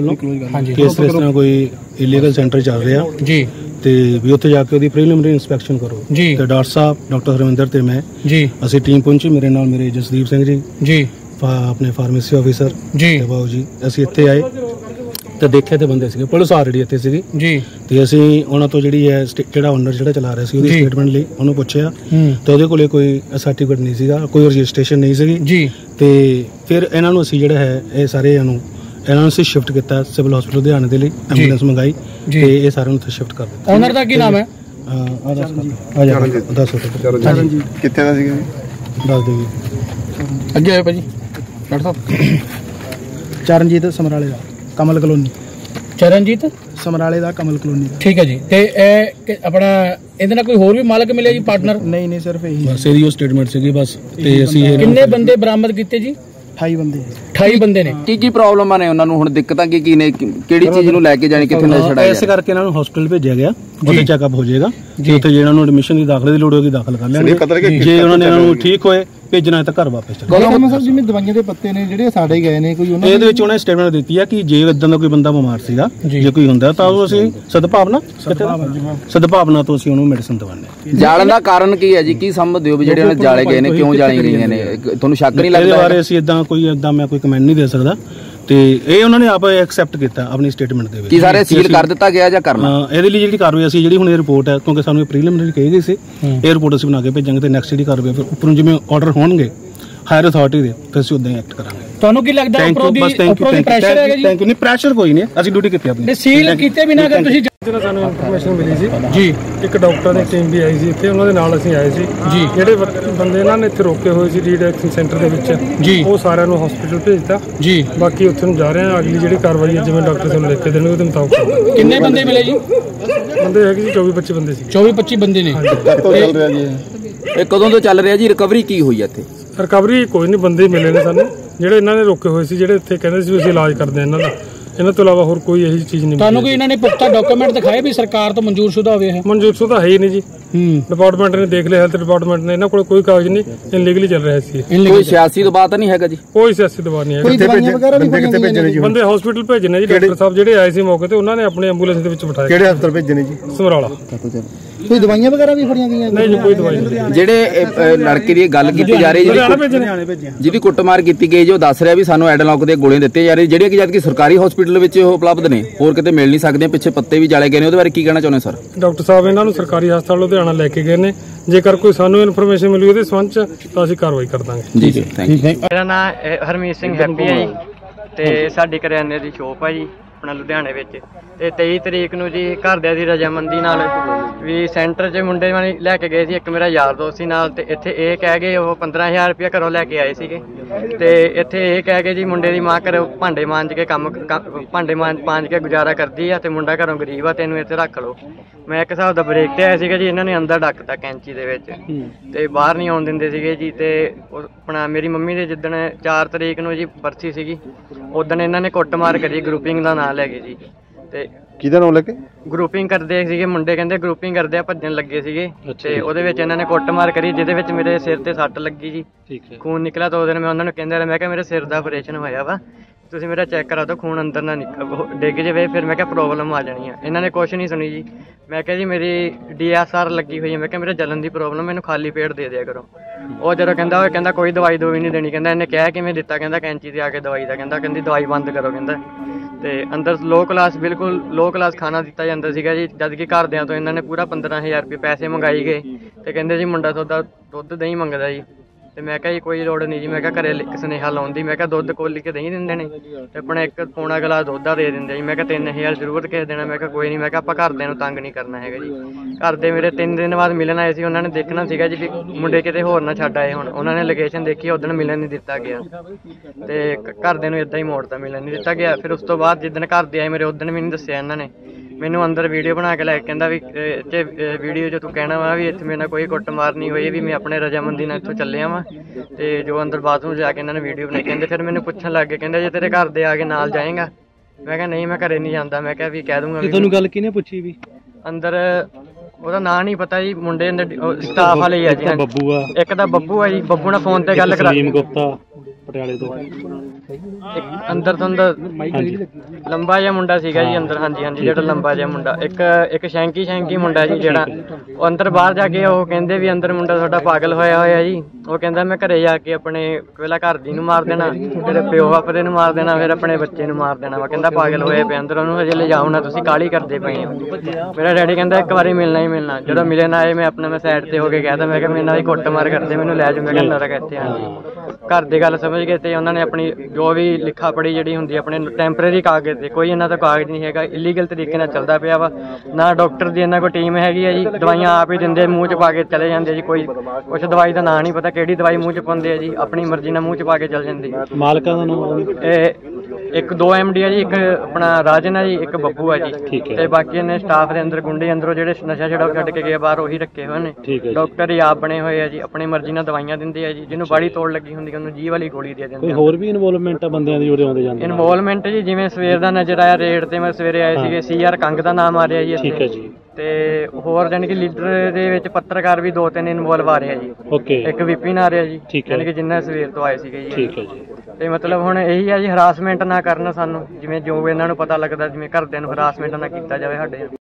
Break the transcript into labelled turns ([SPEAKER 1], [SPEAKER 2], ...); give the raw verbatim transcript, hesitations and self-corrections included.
[SPEAKER 1] कि इस तरह कोई इलीगल सेंटर चल रहा जी ਤੇ ਵੀ ਉੱਥੇ ਜਾ ਕੇ ਉਹਦੀ ਪ੍ਰੀਲਿਮਿਨਰੀ ਇਨਸਪੈਕਸ਼ਨ ਕਰੋ ਜੀ। ਤੇ ਡਾਕਟਰ ਸਾਹਿਬ ਡਾਕਟਰ ਹਰਵਿੰਦਰ ਤੇ ਮੈਂ ਜੀ ਅਸੀਂ ਟੀਮ ਪਹੁੰਚੀ। ਮੇਰੇ ਨਾਲ ਮੇਰੇ ਜਸਦੀਪ ਸਿੰਘ ਜੀ ਜੀ ਆਪਣੇ ਫਾਰਮੇਸੀ ਆਫੀਸਰ ਜੀ ਤੇ ਬਾਬੂ ਜੀ ਅਸੀਂ ਇੱਥੇ ਆਏ ਤੇ ਦੇਖਿਆ ਤੇ ਬੰਦੇ ਸੀਗੇ, ਪੁਲਿਸ ਆਲਰੇਡੀ ਇੱਥੇ ਸੀਗੀ ਜੀ। ਤੇ ਅਸੀਂ ਉਹਨਾਂ ਤੋਂ ਜਿਹੜੀ ਹੈ ਜਿਹੜਾ ਓਨਰ ਜਿਹੜਾ ਚਲਾ ਰਿਹਾ ਸੀ ਉਹਦੀ ਸਟੇਟਮੈਂਟ ਲਈ ਉਹਨੂੰ ਪੁੱਛਿਆ ਤੇ ਉਹਦੇ ਕੋਲੇ ਕੋਈ ਸਰਟੀਫਿਕੇਟ ਨਹੀਂ ਸੀਗਾ, ਕੋਈ ਰਜਿਸਟ੍ਰੇਸ਼ਨ ਨਹੀਂ ਸੀਗੀ ਜੀ। ਤੇ ਫਿਰ ਇਹਨਾਂ ਨੂੰ ਅਸੀਂ ਜਿਹੜਾ ਹੈ ਇਹ ਸਾਰੇ ਨੂੰ ਇਹਨਾਂ ਨੂੰ ਅਸੀਂ ਸ਼ਿਫਟ ਕੀਤਾ ਸਿਵਲ ਹਸਪੀਟਲ ਲੁਧਿਆਣੇ ਦੇ ਲਈ, ਐਂਬੂਲੈਂਸ ਮੰਗਾਈ ਤੇ ਇਹ ਸਾਰਿਆਂ ਨੂੰ ਉੱਥੇ ਸ਼ਿਫਟ ਕਰ ਦਿੱਤਾ। ਓਨਰ ਦਾ ਕੀ ਨਾਮ ਹੈ? ਆ ਦੱਸ ਆ ਜਾ ਦੱਸ ਚਰਨਜੀਤ ਕਿੱਥੇ ਦਾ ਸੀਗਾ ਦੱਸ ਦਿਓ ਜੀ। ਅੱਗੇ ਆਏ ਭਾਜੀ ਡਾਕਟਰ ਸਾਹਿਬ। ਚਰਨਜੀਤ ਸਮਰਾਲੇ ਦਾ ਕਮਲ ਕਲੋਨੀ। ਚਰਨਜੀਤ ਸਮਰਾਲੇ ਦਾ ਕਮਲ ਕਲੋਨੀ ਦਾ। ਠੀਕ ਹੈ ਜੀ। ਤੇ ਇਹ ਆਪਣਾ ਇਹਦੇ ਨਾਲ ਕੋਈ ਹੋਰ ਵੀ ਮਾਲਕ ਮਿਲਿਆ ਜੀ ਪਾਰਟਨਰ? ਨਹੀਂ ਨਹੀਂ ਸਿਰਫ ਇਹੀ ਬਸ ਇਹਦੀ ਉਹ ਸਟੇਟਮੈਂਟ ਸੀਗੀ ਬਸ। ਤੇ ਅਸੀਂ ਕਿੰਨੇ ਬੰਦੇ ਬਰਾਮਦ ਕੀਤੇ ਜੀ? ਅਠਾਈ ਬੰਦੇ ਅਠਾਈ ਬੰਦੇ ਨੇ। ਕੀ ਕੀ ਪ੍ਰੋਬਲਮਾਂ ਨੇ ਉਹਨਾਂ ਨੂੰ, ਹੁਣ ਦਿੱਕਤਾਂ ਕੀ ਕੀ ਨੇ, ਕਿਹੜੀ ਚੀਜ਼ ਨੂੰ ਲੈ ਕੇ ਜਾਣੀ, ਕਿੱਥੇ ਲੈ ਛੜਾਇਆ? ਇਸ ਕਰਕੇ ਇਹਨਾਂ ਨੂੰ ਹਸਪੀਟਲ ਭੇਜਿਆ ਗਿਆ, ਉੱਥੇ ਚੈੱਕਅਪ ਹੋ ਜਾਏਗਾ ਜੀ। ਉੱਥੇ ਜੇ ਇਹਨਾਂ ਨੂੰ ਐਡਮਿਸ਼ਨ ਦੀ ਦਾਖਲੇ ਦੀ ਲੋੜ ਹੋਗੀ ਦਾਖਲ ਕਰ ਲੈਣਗੇ, ਜੇ ਉਹਨਾਂ ਨੇ ਇਹਨਾਂ ਨੂੰ ਠੀਕ ਹੋਏ ਭੇਜਣਾ ਤਾਂ ਘਰ ਵਾਪਸ ਚਲੇ। ਸਰ ਜਿਵੇਂ ਦਵਾਈਆਂ ਦੇ ਪੱਤੇ ਨੇ ਜਿਹੜੇ ਸਾਡੇ ਗਏ ਨੇ ਕੋਈ ਉਹਨਾਂ ਇਹਦੇ ਵਿੱਚ ਉਹਨੇ ਸਟੇਟਮੈਂਟ ਦਿੱਤੀ ਆ ਕਿ ਜੇ ਇਦਾਂ ਦਾ ਕੋਈ ਬੰਦਾ ਬਿਮਾਰ ਸੀਗਾ ਜੇ ਕੋਈ ਹੁੰਦਾ ਤਾਂ ਉਹ ਅਸੀਂ ਸਦਭਾਵਨਾ ਸਦਭਾਵਨਾ ਤੋਂ ਅਸੀਂ ਉਹਨੂੰ ਮੈਡੀਸਨ ਦਵਾਉਂਦੇ। ਜਾਲਣ ਦਾ ਕਾਰਨ ਕੀ ਹੈ ਜੀ? ਕੀ ਸਮਝਦੇ ਹੋ ਵੀ ਜਿਹੜੇ ਉਹਨਾਂ ਜਾਲੇ ਗਏ ਨੇ ਕਿਉਂ ਜਾਲੀਆਂ ਗਈਆਂ ਨੇ? ਤੁਹਾਨੂੰ ਸ਼ੱਕ ਨਹੀਂ ਲੱਗਦਾ? ਇਹਦੇ ਬਾਰੇ ਅਸੀਂ ਇਦਾਂ ਕੋਈ ਇਦਾਂ ਮੈਂ ਕੋਈ ਕਮੈਂਟ ਨਹੀਂ ਦੇ ਸਕਦਾ ਤੇ ਇਹ ਉਹਨਾਂ ਨੇ ਆਪ ਐਕਸੈਪਟ ਕੀਤਾ ਆਪਣੀ ਸਟੇਟਮੈਂਟ ਦੇ ਵਿੱਚ। ਕੀ ਸਾਰੇ ਸੀਲ ਕਰ ਦਿੱਤਾ ਗਿਆ ਜਾਂ ਕਰਨਾ? ਇਹਦੇ ਲਈ ਜਿਹੜੀ ਕਾਰਵਾਈ ਅਸੀਂ ਜਿਹੜੀ ਹੁਣ ਇਹ ਰਿਪੋਰਟ ਹੈ ਕਿਉਂਕਿ ਸਾਨੂੰ ਪ੍ਰੀਲਿਮਿਨਰੀ ਕਹੀ ਗਈ ਸੀ, ਇਹ ਰਿਪੋਰਟ ਅਸੀਂ ਬਣਾ ਕੇ ਭੇਜਾਂਗੇ ਤੇ ਨੈਕਸਟ ਜਿਹੜੀ ਕਾਰਵਾਈ ਫਿਰ ਉੱਪਰੋਂ ਜਿਵੇਂ ਆਰਡਰ ਹੋਣਗੇ ਹਾਇਰ ਅਥਾਰਟੀ ਦੇ ਫਿਰ ਅਸੀਂ ਉਦਾਂ ਹੀ ਐਕਟ ਕਰਾਂਗੇ। ਤੁਹਾਨੂੰ ਕੀ ਲੱਗਦਾ ਉੱਪਰੋਂ ਦੀ ਉੱਪਰੋਂ ਦੀ ਪ੍ਰੈਸ਼ਰ ਹੈਗਾ ਜੀ? Thank you. ਨਹੀਂ ਪ੍ਰੈਸ਼ਰ ਕੋਈ ਨਹੀਂ, ਅਸੀਂ ਡਿਊਟੀ ਕੀਤੀ ਆਪਣੀ। ਸੀਲ ਕੀਤੇ ਬਿਨਾਂ ਅਗਰ ਤੁਸੀਂ ਜਿਹੜਾ ਸਾਨੂੰ ਇਨਫੋਰਮੇਸ਼ਨ ਮਿਲੀ ਸੀ ਜੀ, ਇੱਕ ਡਾਕਟਰ ਦੀ ਟੀਮ ਵੀ ਆਈ ਸੀ ਇੱਥੇ, ਉਹਨਾਂ ਦੇ ਨਾਲ ਅਸੀਂ ਆਏ ਸੀ ਜੀ। ਜਿਹੜੇ ਬੰਦੇ ਇਹਨਾਂ ਨੇ ਇੱਥੇ ਰੋਕੇ ਹੋਏ ਸੀ ਰੀਡੈਕਸ਼ਨ ਸੈਂਟਰ ਦੇ ਵਿੱਚ ਜੀ, ਉਹ ਸਾਰਿਆਂ ਨੂੰ ਹਸਪੀਟਲ ਭੇਜਤਾ ਜੀ। ਬਾਕੀ ਉੱਥੇ ਨੂੰ ਜਾ ਰਹੇ ਆ, ਅਗਲੀ ਜਿਹੜੀ ਕਾਰਵਾਈ ਜਿਵੇਂ ਡਾਕਟਰ ਸਾਨੂੰ ਲਿਖ ਕੇ ਦੇਣਗੇ ਉਹਦੇ ਮੁਤਾਬਕ। ਕਿੰਨੇ ਬੰਦੇ ਮਿਲੇ ਜੀ? ਬੰਦੇ ਹੈਗੇ ਜੀ ਚੌਵੀ ਪੱਚੀ ਬੰਦੇ ਸੀ। ਚੌਵੀ ਪੱਚੀ ਬੰਦੇ ਨੇ। ਚੱਲ ਰਿਹਾ ਜੀ ਇਹ ਕਦੋਂ ਤੋਂ ਚੱਲ ਰਿਹਾ ਜੀ? ਰਿਕਵਰੀ ਕੀ ਹੋਈ ਇੱਥੇ? ਰਿਕਵਰੀ ਕੋਈ ਨਹੀਂ, ਬੰਦੇ ਮਿਲੇ ਨੇ ਸਾਨੂੰ ਜਿਹੜੇ ਇਹਨਾਂ ਨੇ ਰੋਕੇ ਹੋਏ ਸੀ, ਜਿਹੜੇ ਇੱਥੇ ਕਹਿੰਦੇ ਸੀ ਅਸੀਂ ਇਲਾਜ ਕਰਦੇ ਹਾਂ ਇਹਨਾਂ ਦਾ। ਇਹਨਾਂ ਤੋਂ ਇਲਾਵਾ ਹੋਰ ਕੋਈ ਇਹੀ ਚੀਜ਼ ਨਹੀਂ। ਤੁਹਾਨੂੰ ਕੋਈ ਇਹਨਾਂ ਨੇ ਪੁਖਤਾ ਡਾਕੂਮੈਂਟ ਦਿਖਾਏ ਵੀ ਸਰਕਾਰ ਤੋਂ ਮਨਜ਼ੂਰਸ਼ੁਦਾ ਹੋਵੇ? ਹੈ ਮਨਜ਼ੂਰਸ਼ੁਦਾ ਹੈ ਹੀ ਨਹੀਂ ਜੀ। ਡਿਪਾਰਟਮੈਂਟ ਨੇ ਦੇਖ ਲਿਆ, ਹੈਲਥ ਡਿਪਾਰਟਮੈਂਟ ਨੇ, ਇਹਨਾਂ ਕੋਲ ਕੋਈ ਕਾਗਜ਼ ਨਹੀਂ, ਇਨਲੀਗਲੀ ਚੱਲ ਰਿਹਾ ਸੀ। ਕੋਈ ਸਿਆਸੀ ਦਬਾਅ ਤਾਂ ਨਹੀਂ ਹੈਗਾ ਜੀ? ਕੋਈ ਸਿਆਸੀ ਦਬਾਅ ਨਹੀਂ ਹੈਗਾ। ਬੰਦੇ ਹਸਪੀਟਲ ਭੇਜਣੇ ਜੀ, ਡਾਕਟਰ ਸਾਹਿਬ ਜਿਹੜੇ ਆਏ ਸੀ ਮੌਕੇ ਤੇ ਉਹਨਾਂ ਨੇ ਆਪਣੇ ਐਂਬੂਲੈਂਸ ਦੇ ਵਿੱਚ ਬਿਠਾਇਆ। ਕਿਹੜੇ ਹਸਪਤਾਲ ਭੇਜਣੇ ਜੀ? ਸਮਰਾਲਾ। ਕੋਈ ਦਵਾਈਆਂ ਵਗੈਰਾ ਵੀ ਫੜੀਆਂ ਗਈਆਂ? ਨਹੀਂ ਜੀ ਕੋਈ ਦਵਾਈ ਨਹੀਂ। ਜਿਹੜੇ ਲੜਕੇ ਦੀ ਗੱਲ ਕੀਤੀ ਜਾ ਰਹੀ ਜਿਹਦੀ ਕੁੱਟਮਾਰ ਕੀਤੀ ਗਈ ਜੋ ਦੱਸ ਰਿਹਾ ਵੀ ਸਾਨੂੰ ਐਡਲੌਕ ਦੀਆਂ ਗੋਲੀਆਂ ਦਿੱਤੀਆਂ ਜਾ ਰਹੀਆਂ ਜਿਹੜੀਆਂ ਕਿ ਜਦ ਕਿ ਸਰਕਾਰੀ ਹਸਪੀਟਲ ਵਿੱਚ ਉਹ ਉਪਲਬਧ ਨੇ, ਹੋਰ ਕਿਤੇ ਮਿਲ ਨਹੀਂ ਸਕਦੇ, ਪਿੱਛੇ ਪੱਤੇ ਵੀ ਜਾਲੇ ਗਏ ਨੇ, ਉਹਦੇ ਬਾਰੇ ਕੀ ਕਹਿਣਾ ਚਾਹੁੰਦੇ ਸਰ? ਡਾਕਟਰ ਸਾਹਿਬ ਇਹਨਾਂ ਨੂੰ ਸਰਕਾਰੀ ਹਸਪਤਾਲ ਲੁਧਿਆਣਾ ਲੈ ਕੇ ਗਏ ਨੇ, ਜੇਕਰ ਕੋਈ ਸਾਨੂੰ ਇਨਫੋਰਮੇਸ਼ਨ ਮਿਲੀ ਉਹਦੇ ਸੰਬੰਧ ਚ ਤਾਂ ਅਸੀਂ ਕਾਰਵਾਈ ਕਰ ਦਾਂਗੇ ਜੀ। Thank you. ਮੇਰਾ ਨਾਮ ਹਰਮੀਤ ਸਿੰਘ ਹੈਪੀ ਹੈ ਜੀ ਤੇ ਸਾਡੀ ਕਰਿਆਨੇ ਦੀ ਸ਼ੋਪ ਹੈ ਜੀ ਆਪਣਾ ਲੁਧਿਆਣੇ ਵਿੱਚ। ਤੇ ਤੇਈ ਤਰੀਕ ਨੂੰ ਜੀ ਘਰਦਿਆਂ ਦੀ ਰਜਾਮੰਦੀ ਨਾਲ ਵੀ ਸੈਂਟਰ 'ਚ ਮੁੰਡੇ ਵਾਲੀ ਲੈ ਕੇ ਗਏ ਸੀ, ਇੱਕ ਮੇਰਾ ਯਾਰ ਦੋਸਤ ਸੀ ਨਾਲ। ਤੇ ਇੱਥੇ ਇਹ ਕਹਿ ਗਏ ਉਹ ਪੰਦਰਾਂ ਹਜ਼ਾਰ ਰੁਪਇਆ ਘਰੋਂ ਲੈ ਕੇ ਆਏ ਸੀਗੇ ਤੇ ਇੱਥੇ ਇਹ ਕਹਿ ਗਏ ਜੀ ਮੁੰਡੇ ਦੀ ਮਾਂ ਘਰੋਂ ਭਾਂਡੇ ਮਾਂਜ ਕੇ ਕੰਮ ਭਾਂਡੇ ਮਾਂਜ ਮਾਂਜ ਕੇ ਗੁਜ਼ਾਰਾ ਕਰਦੀ ਆ ਤੇ ਮੁੰਡਾ ਘਰੋਂ ਗਰੀਬ ਆ, ਤੈਨੂੰ ਇੱਥੇ ਰੱਖ ਲਓ। ਮੈਂ ਇੱਕ ਹਿਸਾਬ ਦਾ ਬ੍ਰੇਕ ਤੇ ਆਇਆ ਸੀਗਾ ਜੀ, ਇਹਨਾਂ ਨੇ ਅੰਦਰ ਡੱਕਤਾ ਕੈਂਚੀ ਦੇ ਵਿੱਚ ਤੇ ਬਾਹਰ ਨਹੀਂ ਆਉਣ ਦਿੰਦੇ ਸੀਗੇ ਜੀ। ਤੇ ਆਪਣਾ ਮੇਰੀ ਮੰਮੀ ਦੇ ਜਿੱਦਣ ਚਾਰ ਤਰੀਕ ਨੂੰ ਜੀ ਬਰਸੀ ਸੀਗੀ ਉਦਣ ਇਹਨਾਂ ਨੇ ਕੁੱਟਮਾਰ ਕਰੀ, ਗਰੁੱਪਿੰਗ ਦਾ ਨਾਂ ਲੈ ਕੇ ਜੀ। ਤੇ ਕਿਹਦਾ ਨਾਮ ਲੈ ਕੇ ਗਰੁੱਪਿੰਗ ਕਰਦੇ ਸੀਗੇ ਮੁੰਡੇ, ਕਹਿੰਦੇ ਗਰੁੱਪਿੰਗ ਕਰਦੇ ਆ, ਭੱਜਣ ਲੱਗੇ ਸੀਗੇ ਤੇ ਉਹਦੇ ਵਿੱਚ ਇਹਨਾਂ ਨੇ ਕੁੱਟਮਾਰ ਕਰੀ ਜਿਹਦੇ ਵਿੱਚ ਮੇਰੇ ਸਿਰ ਤੇ ਸੱਟ ਲੱਗੀ ਜੀ, ਖੂਨ ਨਿਕਲਿਆ। ਦੋ ਦਿਨ ਮੈਂ ਉਹਨਾਂ ਨੂੰ ਕਹਿੰਦਾ ਰਿਹਾ, ਮੈਂ ਕਿਹਾ ਮੇਰੇ ਸਿਰ ਦਾ ਆਪਰੇਸ਼ਨ ਹੋਇਆ ਵਾ, ਤੁਸੀਂ ਮੇਰਾ ਚੈੱਕ ਕਰਾ ਦਿਓ, ਖੂਨ ਅੰਦਰ ਨਾ ਨਿਕਲ ਡਿੱਗ ਜਾਵੇ, ਫਿਰ ਮੈਂ ਕਿਹਾ ਪ੍ਰੋਬਲਮ ਆ ਜਾਣੀ ਆ। ਇਹਨਾਂ ਨੇ ਕੁਛ ਨਹੀਂ ਸੁਣੀ ਜੀ। ਮੈਂ ਕਿਹਾ ਜੀ ਮੇਰੀ ਡੀ ਐਸ ਆਰ ਲੱਗੀ ਹੋਈ ਹੈ, ਮੈਂ ਕਿਹਾ ਮੇਰੇ ਜਲਨ ਦੀ ਪ੍ਰੋਬਲਮ, ਮੈਨੂੰ ਖਾਲੀ ਪੇਟ ਦੇ ਦਿਆ ਕਰੋ। ਉਹ ਜਦੋਂ ਕਹਿੰਦਾ ਉਹ ਕਹਿੰਦਾ ਕੋਈ ਦਵਾਈ ਦਵਾਈ ਨਹੀਂ ਦੇਣੀ, ਕਹਿੰਦਾ ਇਹਨੇ ਕਹਿ ਕਿਵੇਂ ਦਿੱਤਾ, ਕਹਿੰਦਾ ਕੈਂਚੀ ਤੇ ਆ ਕੇ ਦਵਾਈ ਦਾ, ਕਹਿੰਦਾ ਕਹਿੰਦੀ ਦਵਾਈ ਬੰਦ ਕਰੋ ਕਹਿੰਦਾ। ਤੇ ਅੰਦਰ ਲੋ ਕਲਾਸ ਬਿਲਕੁਲ ਲੋ ਕਲਾਸ ਖਾਣਾ ਦਿੱਤਾ ਜਾਂਦਾ ਸੀਗਾ ਜੀ, ਜਦ ਕਿ ਘਰਦਿਆਂ ਤੋਂ ਇਹਨਾਂ ਨੇ ਪੂਰਾ ਪੰਦਰਾਂ ਹਜ਼ਾਰ ਰੁਪਏ ਪੈਸੇ ਮੰਗਾਈ ਗਏ ਤੇ ਕਹਿੰਦੇ ਜੀ ਮੁੰਡਾ ਤੁਹਾਡਾ ਦੁੱਧ ਦਹੀਂ ਮੰਗਦਾ ਜੀ। ਤੇ ਮੈਂ ਕਿਹਾ ਜੀ ਕੋਈ ਲੋੜ ਨਹੀਂ ਜੀ, ਮੈਂ ਕਿਹਾ ਘਰੇ ਸੁਨੇਹਾ ਲਾਉਣ ਦੀ, ਮੈਂ ਕਿਹਾ ਦੁੱਧ ਕੋਲੀ ਕੇ ਦਹੀਂ ਦਿੰਦੇ ਨੇ ਤੇ ਆਪਣਾ ਇੱਕ ਪੌਣਾ ਗਲਾਸ ਦੁੱਧ ਦਾ ਦੇ ਦਿੰਦੇ ਜੀ। ਮੈਂ ਕਿਹਾ ਤਿੰਨ ਹਜ਼ਾਰ ਜ਼ਰੂਰ ਕਿਸੇ ਦੇਣਾ, ਮੈਂ ਕਿਹਾ ਕੋਈ ਨਹੀਂ, ਮੈਂ ਕਿਹਾ ਆਪਾਂ ਘਰਦਿਆਂ ਨੂੰ ਤੰਗ ਨਹੀਂ ਕਰਨਾ ਹੈਗਾ ਜੀ। ਘਰ ਦੇ ਮੇਰੇ ਤਿੰਨ ਦਿਨ ਬਾਅਦ ਮਿਲਣ ਆਏ ਸੀ, ਉਹਨਾਂ ਨੇ ਦੇਖਣਾ ਸੀਗਾ ਜੀ ਵੀ ਮੁੰਡੇ ਕਿਤੇ ਹੋਰ ਨਾ ਛੱਡ ਆਏ ਹੁਣ। ਉਹਨਾਂ ਨੇ ਲੋਕੇਸ਼ਨ ਦੇਖੀ, ਉਦਣ ਮਿਲਣ ਨਹੀਂ ਦਿੱਤਾ ਗਿਆ ਤੇ ਘਰਦਿਆਂ ਨੂੰ ਏਦਾਂ ਹੀ ਮੋੜਤਾ, ਮਿਲਣ ਨਹੀਂ ਦਿੱਤਾ ਗਿਆ। ਫਿਰ ਉਸ ਤੋਂ ਬਾਅਦ ਜਿੱਦਣ ਘਰ ਦੇ ਆਏ ਮੇਰੇ ਉਦਣ ਵੀ ਨਹੀਂ ਦੱਸਿਆ ਇਹਨਾਂ ਨੇ, ਮੈਨੂੰ ਅੰਦਰ ਵੀਡੀਓ ਬਣਾ ਕੇ ਲੈ ਕੇ ਕਹਿੰਦਾ ਵੀ ਵੀਡੀਓ 'ਚ ਤੂੰ ਕਹਿਣਾ ਵਾ ਵੀ ਇੱਥੇ ਮੇਰੇ ਨਾਲ ਕੋਈ ਕੁੱਟਮਾਰ ਨਹੀਂ ਹੋਈ, ਵੀ ਮੈਂ ਆਪਣੇ ਰਜਾਮੰਦੀ ਨਾਲ ਇੱਥੋਂ ਚੱਲਿਆ ਵਾਂ। ਤੇ ਜੋ ਅੰਦਰ ਬਾਥਰੂਮ ਜਾ ਕੇ ਇਹਨਾਂ ਨੇ ਵੀਡੀਓ ਬਣਾਈ, ਕਹਿੰਦੇ ਫਿਰ ਮੈਨੂੰ ਪੁੱਛਣ ਲੱਗ ਗਏ, ਕਹਿੰਦੇ ਜੇ ਤੇਰੇ ਘਰ ਦੇ ਆ ਕੇ ਨਾਲ ਜਾਏਗਾ? ਮੈਂ ਕਿਹਾ ਨਹੀਂ ਮੈਂ ਘਰੇ ਨਹੀਂ ਜਾਂਦਾ, ਮੈਂ ਕਿਹਾ ਵੀ ਕਹਿ ਦੂੰਗਾ। ਤੁਹਾਨੂੰ ਗੱਲ ਕਿਹਨੇ ਪੁੱਛੀ ਵੀ ਅੰਦਰ? ਉਹਦਾ ਨਾਂ ਨਹੀਂ ਪਤਾ ਜੀ, ਮੁੰਡੇ ਅੰਦਰ ਸਟਾਫ ਵਾਲੇ ਹੀ ਆ ਜੀ। ਬੱਬੂ ਆ ਇੱਕ ਤਾਂ, ਬੱਬੂ ਆ ਜੀ, ਬੱਬੂ ਨਾਲ ਫੋਨ ਤੇ ਗੱਲ ਕਰਾ
[SPEAKER 2] ਪਟਿਆਲੇ ਤੋਂ?
[SPEAKER 3] ਅੰਦਰ ਤੋਂ ਅੰਦਰ ਲੰਬਾ ਜਿਹਾ ਮੁੰਡਾ ਸੀਗਾ ਜੀ ਅੰਦਰ। ਹਾਂਜੀ ਹਾਂਜੀ, ਜਿਹੜਾ ਲੰਬਾ ਜਿਹਾ ਮੁੰਡਾ, ਇੱਕ ਇੱਕ ਸ਼ੈਂਕੀ ਸ਼ੈਂਕੀ ਮੁੰਡਾ ਜੀ, ਜਿਹੜਾ ਉਹ ਅੰਦਰ ਬਾਹਰ ਜਾ ਕੇ ਉਹ ਕਹਿੰਦੇ ਵੀ ਅੰਦਰ ਮੁੰਡਾ ਤੁਹਾਡਾ ਪਾਗਲ ਹੋਇਆ ਹੋਇਆ ਜੀ। ਉਹ ਕਹਿੰਦਾ ਮੈਂ ਘਰੇ ਜਾ ਕੇ ਆਪਣੇ ਪਹਿਲਾਂ ਘਰ ਦੀ ਨੂੰ ਮਾਰ ਦੇਣਾ, ਫਿਰ ਪਿਓ ਆਪਣੇ ਨੂੰ ਮਾਰ ਦੇਣਾ, ਫਿਰ ਆਪਣੇ ਬੱਚੇ ਨੂੰ ਮਾਰ ਦੇਣਾ। ਵਾ ਕਹਿੰਦਾ ਪਾਗਲ ਹੋਏ ਪਏ ਅੰਦਰ, ਉਹਨੂੰ ਹਜੇ ਲਿਜਾਓ ਨਾ, ਤੁਸੀਂ ਕਾਹਲੀ ਕਰਦੇ ਪਏ ਹੋ। ਮੇਰਾ ਡੈਡੀ ਕਹਿੰਦਾ ਇੱਕ ਵਾਰੀ ਮਿਲਣਾ ਹੀ ਮਿਲਣਾ। ਜਦੋਂ ਮਿਲੇ ਨਾ ਆਏ, ਮੈਂ ਆਪਣਾ ਮੈਂ ਸਾਈਡ ਤੇ ਹੋ ਕੇ ਕਹਿ ਤਾ, ਮੈਂ ਕਿਹਾ ਮੇਰੇ ਨਾਲ ਹੀ ਕੁੱਟ ਮਾਰ ਕਰਦੇ, ਮੈਨੂੰ ਲੈ ਜਾਓ। ਮੈਂ ਕਿਹਾ ਨਰਕ ਇੱਥੇ। ਹਾਂਜੀ, ਘਰ ਦੀ ਗੱਲ ਸਮਝ ਗਏ ਤੇ ਉਹਨਾਂ ਨੇ ਆਪਣੀ ਜੋ ਵੀ ਲਿਖਾ ਪੜੀ ਜਿਹੜੀ ਹੁੰਦੀ ਆਪਣੇ ਟੈਂਪਰੇਰੀ ਕਾਗਜ਼ ਤੇ, ਕੋਈ ਇਹਨਾਂ ਦਾ ਕਾਗਜ਼ ਨਹੀਂ ਹੈਗਾ, ਇਲੀਗਲ ਤਰੀਕੇ ਨਾਲ ਚੱਲਦਾ ਪਿਆ ਵਾ। ਨਾ ਡਾਕਟਰ ਦੀ ਇਹਨਾਂ ਕੋਲ ਟੀਮ ਹੈਗੀ ਹੈ ਜੀ, ਦਵਾਈਆਂ ਆਪ ਹੀ ਦਿੰਦੇ, ਮੂੰਹ 'ਚ ਪਾ ਕੇ ਚਲੇ ਜਾਂਦੇ ਜੀ। ਕੋਈ ਕੁਛ ਦਵਾਈ ਦਾ ਨਾਂ ਨਹੀਂ ਪਤਾ ਕਿਹੜੀ ਦਵਾਈ ਮੂੰਹ 'ਚ ਪਾਉਂਦੇ ਆ ਜੀ, ਆਪਣੀ ਮਰਜ਼ੀ ਨਾਲ ਮੂੰਹ 'ਚ ਪਾ ਕੇ ਚੱਲ ਜਾਂਦੇ।
[SPEAKER 2] ਮਾਲਕਾਂ ਦਾ ਨਾਮ?
[SPEAKER 3] ਇਹ ਇੱਕ ਦੋ ਐਮ ਡੀ ਆ ਜੀ, ਇੱਕ ਆਪਣਾ ਰਾਜਨ ਆ ਜੀ, ਇੱਕ ਬੱਬੂ ਆ ਜੀ, ਤੇ ਬਾਕੀ ਇਹਨੇ ਸਟਾਫ ਦੇ ਅੰਦਰ ਗੁੰਡੇ ਅੰਦਰੋਂ ਜਿਹੜੇ ਨਸ਼ਾ ਛਡਾਓ ਛੱਡ ਕੇ ਗਏ ਬਾਹਰ, ਉਹੀ ਰੱਖੇ ਹੋਏ ਨੇ। ਡਾਕਟਰ ਹੀ ਆਪ ਬਣੇ ਹੋਏ ਆ ਜੀ, ਆਪਣੀ ਮਰਜ਼ੀ ਨਾਲ ਦਵਾਈਆਂ ਦਿੰਦੇ ਆ ਜੀ। ਜਿਹਨੂੰ ਬੜੀ ਤੋੜ ਲੱਗੀ ਹੁੰਦੀ ਉਹਨੂੰ ਜੀ ਵਾਲੀ ਗੋਲੀ ਦੇ ਦਿੰਦੇ।
[SPEAKER 2] ਕੋਈ ਹੋਰ ਵੀ ਇਨਵੋਲਵਮੈਂਟ ਆ ਬੰਦਿਆਂ ਦੀ ਉਰੇ ਆਉਂਦੇ ਜਾਂਦੇ?
[SPEAKER 3] ਇਨਵੋਲਵਮੈਂਟ ਜੀ, ਜਿਵੇਂ ਸਵੇਰ ਦਾ ਨਜ਼ਰ ਆਇਆ ਰੇਡ ਤੇ, ਮੈਂ ਸਵੇਰੇ ਆਏ ਸੀਗੇ, ਸੀ ਆਰ ਕੰਗ ਦਾ ਨਾਮ ਆ ਰਿਹਾ ਜੀ ਇੱਥੇ, ਤੇ ਹੋਰ ਜਾਨੀ ਕਿ ਲੀਡਰ ਦੇ ਵਿੱਚ ਪੱਤਰਕਾਰ ਵੀ ਦੋ ਤਿੰਨ ਇਨਵੋਲਵ ਆ ਰਿਹਾ ਜੀ। ਓਕੇ, ਇੱਕ ਵਿਪਿਨ ਆ ਰਿਹਾ ਜੀ, ਜਾਨੀ ਕਿ ਜਿੰਨਾ ਸਵੇਰ ਤੋਂ ਆਏ ਸੀਗੇ ਜੀ। ਠੀਕ ਹੈ ਜੀ। ਤੇ ਮਤਲਬ ਹੁਣ ਇਹੀ ਆ ਜੀ, ਹਰਾਸਮੈਂਟ ਨਾ ਕਰਨ ਸਾਨੂੰ, ਜਿਵੇਂ ਜੋ ਇਹਨਾਂ ਨੂੰ ਪਤਾ ਲੱਗਦਾ, ਜਿਵੇਂ ਘਰਦਿਆਂ ਨੂੰ ਹਰਾਸਮੈਂਟ ਨਾ ਕੀਤਾ ਜਾਵੇ ਸਾਡੇ।